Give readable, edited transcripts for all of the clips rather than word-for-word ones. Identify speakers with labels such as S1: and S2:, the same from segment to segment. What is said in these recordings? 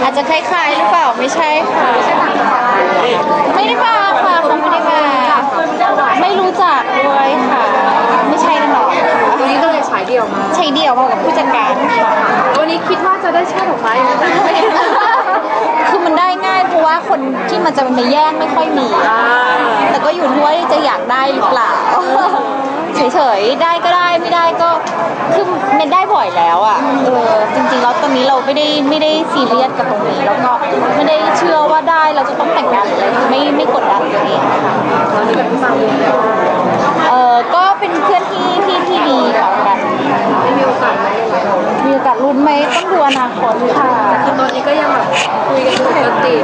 S1: อาจจะคล้ายๆหรือเปล่าไม่ใช่ค่ะไม่ได้มาค่ะเขาไม่ได้มาไม่รู้จักด้วยค่ะไม่ใช่แน่นอน
S2: วันนี้ก็เลยฉายเดี่ยวมา
S1: ใช้เดี่ยวมากับผู้จัดการค่ะ
S2: วันนี้คิดว่าจะได้ช่อดอกไม้ไหม
S1: คือมันได้ง่ายเพราะว่าคนที่มันจะมาแย่งไม่ค่อยมีแต่ก็อยู่ที่ว่าจะอยากได้หรือเปล่าเฉยๆได้ก็ได้ไม่ได้ก็คือมันได้บ่อยแล้วอ่ะจริงๆแล้วตอนนี้เราไม่ได้ซีเรียสกับตรงนี้แล้วก็ไม่ได้เชื่อว่าได้เราจะต้องแต่งงานอะไรไม่กดดันตัวเองค่ะ
S2: ตอนนี้แบบฟัง
S1: ก็เป็นเพื่อนที่ดีต่อกัน
S2: มีโอกาสไหม
S1: มีโอกาสลุ้นไหมต้องดูอนาคตค่ะ
S2: คือตอนนี้ก็ยังแบบคุยกันปกติ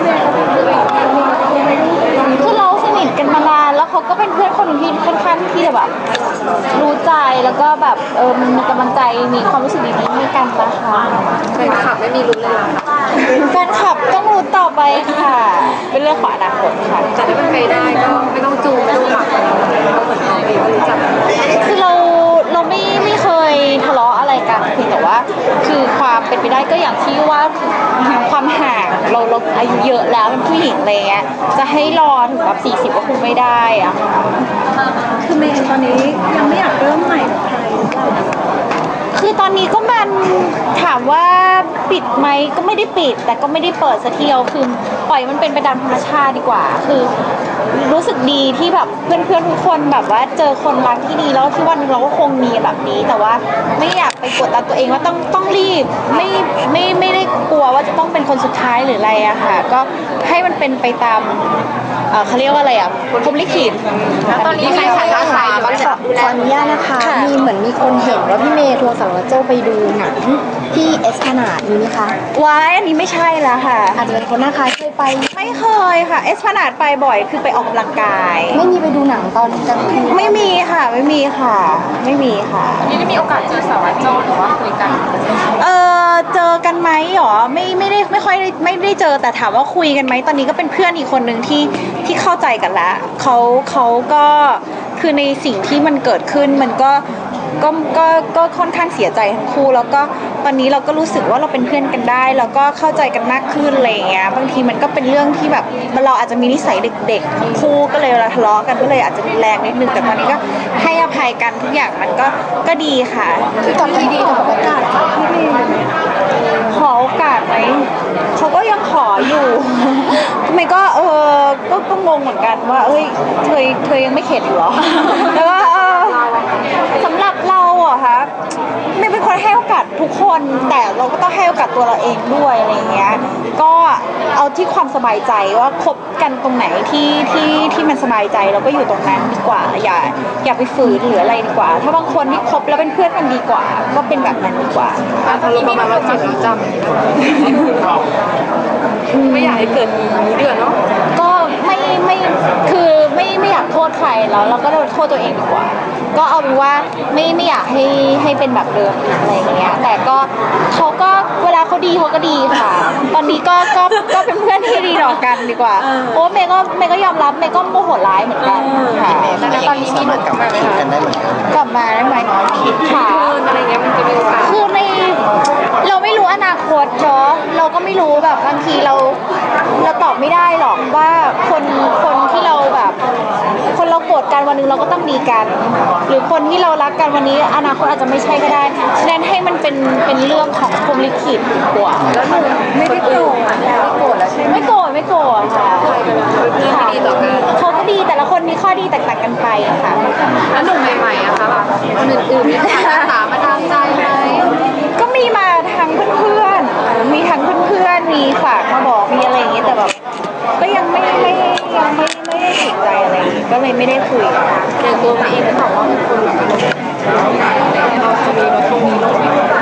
S1: คือเราสนิทกันมานานแล้วเขาก็เป็นเพื่อนคนที่ค่อนข้างที่จะแบบรู้ใจแล้วก็แบบมีกำลังใจมีความรู้สึกดีๆให้กันนะคะ
S2: แฟนคลับไม่มีลุ้นเลยหรอ
S1: แฟนคลับต้องรู้ต่อไปค่ะเป็นเรื่องของอนาคตค่ะ
S2: แต่ถ้ามันไปได้ก็ไม่ต้องจูงไม่ต้องหลักก็เหมือนเราเองรู้จัก
S1: คือเราไม่เคยทะเลาะอะไรกันเพียงแต่ว่าคือความเป็นไปได้ก็อย่างที่ว่าความห่างเราอายุเยอะแล้วเป็นผู้หญิงอะไรเงี้ยจะให้รอถึงแบบ40ก็คงไม่ได้อะ
S3: คือเมย์ตอนนี้ยังไม่อยากเริ่มใหม่กับใครหรือเปล่า
S1: คือตอนนี้ก็มันถามว่าปิดไหมก็ไม่ได้ปิดแต่ก็ไม่ได้เปิดสักทีเดียวคือปล่อยมันเป็นไปตามธรรมชาติดีกว่าคือรู้สึกดีที่แบบเพื่อนๆทุกคนแบบว่าเจอคนรักที่ดีแล้วที่วันนึงเราก็คงมีแบบนี้แต่ว่าไม่อยากไปกดดันตัวเองว่าต้องรีบไม่ได้กลัวว่าจะต้องเป็นคนสุดท้ายหรืออะไรอะค่ะก็ให้มันเป็นไปตามเขาเรียกว่าอะไรอะพรหมลิขิต
S2: แล้วตอนนี้ใครขายราคาบ้างคะ
S3: ขออนุญาตนะคะมีคนเห็นว่าพี่เมย์ทัวร์สารวัตรโจ้ไปดูหนังที่เอสพลานาดมีไหมคะ
S1: ว้ายอันนี้ไม่ใช่แล้วค่ะ
S3: อาจจะเป็นคนหน้าคล้ายเคยไป
S1: ไม่เคยค่ะเอสพลานาดไปบ่อยคือไปออกกำลังกาย
S3: ไม่มีไปดูหนังตอนกลางคืน
S1: ไม่มีค่ะไม่มีค่ะ
S2: นี่ได้มีโอกาสเจอสารวัตรโจ้หรือว่าคุยกัน
S1: เจอกันไหมหรอไม่ค่อยไม่ได้เจอแต่ถามว่าคุยกันไหมตอนนี้ก็เป็นเพื่อนอีกคนหนึ่งที่เข้าใจกันแล้วเขาก็คือในสิ่งที่มันเกิดขึ้นมันก็ค่อนข้างเสียใจทั้งคู่แล้วก็ตอนนี้เราก็รู้สึกว่าเราเป็นเพื่อนกันได้แล้วก็เข้าใจกันมากขึ้นอะไรอย่างเงี้ยบางทีมันก็เป็นเรื่องที่แบบเราอาจจะมีนิสัยเด็กๆทั้งคู่ก็เลยเราทะเลาะกันก็เลยอาจจะรุนแรงนิดนึงแต่ตอนนี้ก็ให้อภัยกันทุกอย่างมันก็ดีค่ะ
S3: คือตอนนี้ดีกับโอกาสพี่เมย์
S1: ขอโอกาสไหมเขาก็ยังขออยู่ทำไมก็ก็งงเหมือนกันว่าเอ้ยเธอยังไม่เข็ดอยู่หรอแล้วก็สำหรับเราอะคะไม่เป็นคนให้โอกาสทุกคนแต่เราก็ต้องให้โอกาสตัวเราเองด้วยอะไรเงี้ยก็เอาที่ความสบายใจว่าคบกันตรงไหนที่มันสบายใจเราก็อยู่ตรงนั้นดีกว่าอย่าไปฝืนหรืออะไรดีกว่าถ้าบางคนที่คบแล้วเป็นเพื่อนกันดีกว่าก็เป็นแบบนั้นดีกว่า
S2: ทะเลาะประมาณว่าเจ็บแล้วจำไม่อยากให้เกิดนี้เดือนเนาะ
S1: ก็คือไม่อยากโทษใครแล้วเราก็โทษตัวเองดีกว่าก็เอาเป็นว่าไม่อยากให้เป็นแบบเดิมอะไรอย่างเงี้ยแต่ก็เขาก็เวลาเขาดีเขาก็ดีค่ะตอนนี้ก็เป็นเพื่อนที่ดีต่อกันดีกว่าโอ้เมย์ก็ยอมรับเมย์ก็โมโหร้ายเหมือนกันค่ะ
S2: แต่ตอนนี้มีหนุ่มกลับมาไหมคะ
S1: กลับมาได้ไหม
S2: ค่ะอะไรเงี้ยมันจะมีโอกาส
S1: คือเราไม่รู้อนาคตเนาะเราก็ไม่รู้แบบบางทีเราตอบไม่ได้หรอกว่าคนที่เราแบบคนเราโกรธกันวันนึงเราก็ต้องดีกันหรือคนที่เรารักกันวันนี้อนาคตอาจจะไม่ใช่ก็ได้ฉะนั้นให้มันเป็นเรื่องของพรหมลิขิตดีกว่า
S3: แล้วหนูไม่ได้โกรธแล้วใช่ไหม
S1: ไม่โกรธค่ะ
S2: เพื่อนที่ดีต่อกัน
S1: เขาก็ดีแต่ละคนมีข้อดีแตกต่างกันไปค่ะ
S2: แล้วหนุ่มใหม่ๆอะคะแบบคนอื่นๆเนี่ยถามมาทางใจไหม
S1: ก็มีมาทั้งเพื่อนมีมีฝากมาบอกมีอะไรอย่างเงี้ยแต่แบบก็ยังไม่ได้ติดใจอะไรก็เลยไม่ได้คุย
S2: อย่างตัวเองก็บอกว่าเป็นคนแบบเราจะมีเราต้องมีโรค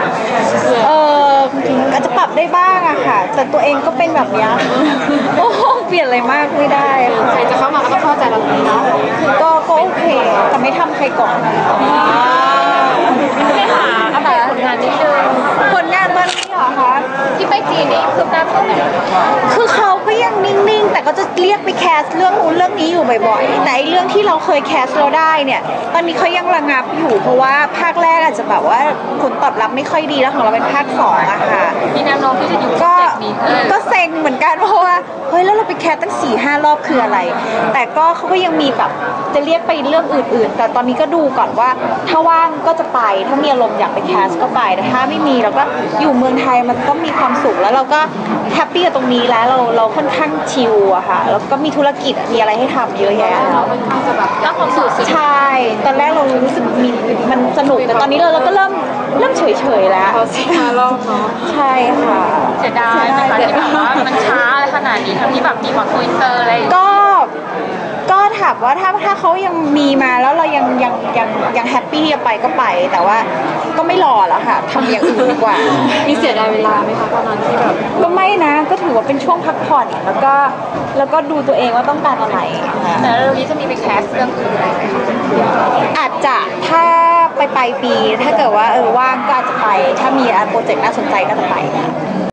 S1: อาจจะปรับได้บ้างอะค่ะแต่ตัวเองก็เป็นแบบนี้โอ้เปลี่ยนอะไรมากไม่ได้
S2: ใครจะเข้ามาก็ต้องเข้าใจเราเนาะ
S1: ก็โอเคแต่ไม่ทำใครก่อน
S2: ไม่หาอัปเดตผลงานนิดนึง
S1: ผลงานตอนนี้เหรอคะ
S2: ที่ไปจีนนี่คืบหน้าเท่าไหร่
S1: คือเขาก็ยังนิ่งๆแต่ก็จะเรียกไปแคสเรื่องนู้นเรื่องนี้อยู่บ่อยๆแต่ไอ้เรื่องที่เราเคยแคสเราได้เนี่ยตอนนี้เขายังระงับอยู่เพราะว่าภาคแรกอาจจะแบบว่าผลตอบรับไม่ค่อยดีแล้วของเราเป็นภาค2อะค่ะ
S2: มีแนวโน้มที่จะอยู่
S1: ก็
S2: โปรเจกต์นี้
S1: ก็เซ็งเหมือนกันเพราะว่าเฮ้ยแล้วเราไปแคสตั้ง4-5 รอบคืออะไร แต่ก็เขาก็ยังมีแบบจะเรียกไปเรื่องอื่นๆ แต่ตอนนี้ก็ดูก่อนว่าถ้าว่างก็จะไปถ้ามีอารมณ์อยากไปแคสก็ไปแต่ถ้าไม่มีเราก็อยู่เมืองไทยมันก็มีความสุขแล้วเราก็แฮปปี้กับตรงนี้แล้วเราค่อนข้างชิลอะค่ะแล้วก็มีธุรกิจมีอะไรให้ทำเยอะแยะ
S2: เราเป็นข้างจะแบบรักความสุข
S1: ใช่ ตอนแรกเรารู้สึกมีมันสนุกแต่ตอนนี้เราก็เริ่มเฉยๆแล้ว
S2: พอ4-5 รอบเนาะ
S1: ใช่ค่ะ
S2: เสียดายไหมคะที่แบบว่ามันช้าอะไรขนาดนี้ทั้งที่แบบมีหวังคุยอินเตอร์อะไรอย่างเงี้ย
S1: ก็ถามว่าถ้าเขายังมีมาแล้วเรายังแฮปปี้ที่จะไปก็ไป แต่ว่าก็ไม่รอแล้วค่ะทำอย่างอื่นดีกว่า
S2: มีเสียดายเวลาไหมคะตอนนั้นที่แบบ
S1: ก็ไม่นะก็ถือว่าเป็นช่วงพักผ่อนแล้วก็ดูตัวเองว่าต้องการอะไรค่ะ
S2: แต่เรื่องนี้จะมีไปแคสเรื่องอื่นอะไรไหมคะ
S1: อาจจะถ้าไปปีถ้าเกิดว่าว่างก็อาจจะไป ถ้ามีโปรเจกต์น่าสนใจก็จะไป